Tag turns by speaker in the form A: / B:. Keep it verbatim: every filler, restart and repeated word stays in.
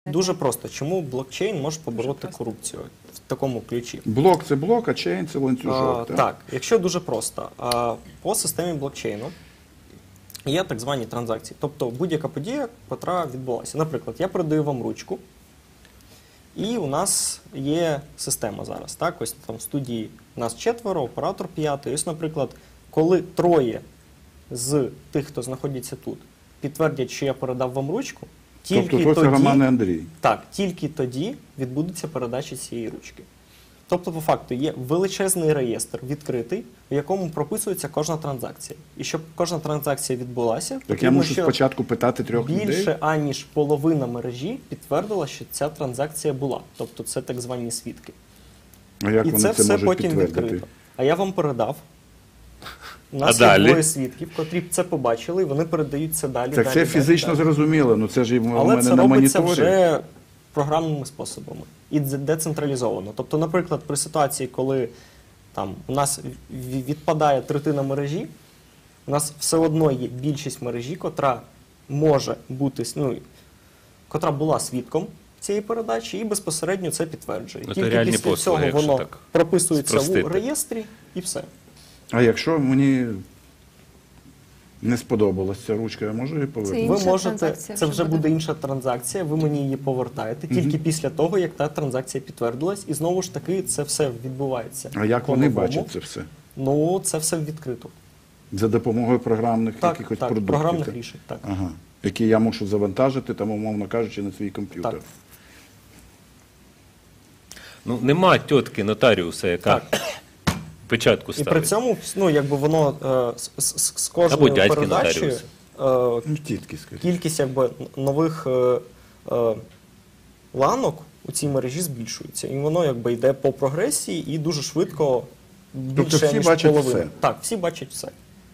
A: Дуже просто. Чому блокчейн може побороти корупцію в такому ключі?
B: Блок – це блок, а чейн – це ланцюжок.
A: А,
B: так?
A: так, якщо дуже просто. А, по системі блокчейну є так звані транзакції. Тобто будь-яка подія, яка відбулася. Наприклад, я передаю вам ручку, і у нас є система зараз. Так? Ось там в студії нас четверо, оператор п'ятий. Ось, наприклад, коли троє з тих, хто знаходиться тут, підтвердять, що я передав вам ручку, тільки
B: тобто
A: тоді,
B: це Роман і Андрій.
A: так, тільки тоді відбудеться передача цієї ручки. Тобто, по факту, є величезний реєстр відкритий, в якому прописується кожна транзакція. І щоб кожна транзакція відбулася,
B: Так я
A: потрібно,
B: мушу
A: що
B: спочатку питати трьох людей?
A: більше, аніж половина мережі підтвердила, що ця транзакція була. Тобто це так звані свідки.
B: А як
A: І
B: вони
A: це
B: це
A: все
B: можуть
A: потім
B: підтвердити?
A: відкрито. А я вам передав. У нас
C: А
A: є
C: далі?
A: двоє свідків, котрі це побачили, і вони передають це далі.
B: Так
A: далі,
B: це
A: далі,
B: фізично
A: далі.
B: зрозуміло, ну це ж і в
A: Але
B: мене
A: це
B: на
A: робиться
B: моніторі.
A: вже програмними способами і дзе- децентралізовано. Тобто, наприклад, при ситуації, коли там у нас в- відпадає третина мережі, у нас все одно є більшість мережі, котра може бути, ну, котра була свідком цієї передачі і безпосередньо це підтверджує.
C: Ну, це
A: Тільки
C: реальні
A: після
C: послуги,
A: цього
C: якщо
A: воно
C: так
A: прописується
C: спростити.
A: в реєстрі і все.
B: А якщо мені не сподобалась ця ручка, я можу її повернути?
A: Ви
D: Інша
A: можете,
D: транзакція
A: це
D: вже
A: вже
D: буде.
A: буде інша транзакція, ви мені її повертаєте тільки після того, як та транзакція підтвердилась, і знову ж таки це все відбувається.
B: А як вони
A: по-новому.
B: бачать це все?
A: Ну, це все відкрито.
B: За допомогою програмних
A: Так,
B: якихось
A: так,
B: продуктів?
A: програмних
B: так?
A: рішень, так.
B: Ага. Які я мушу завантажити, там, умовно кажучи, на свій комп'ютер.
A: Так.
C: Ну, нема тітки нотаріуса, яка печатку
A: І
C: ставить.
A: при цьому, ну, якби воно е, з, з, з
C: Або
A: кожною
C: дядьки
A: передачею
C: нотаріуси.
A: е,
B: Ну, тітки, скажіть.
A: кількість якби, нових е, е, ланок у цій мережі збільшується. І воно якби йде по прогресії і дуже швидко більше,
B: всі
A: ніж
B: бачать
A: половина.
B: все?
A: Так, всі бачать все.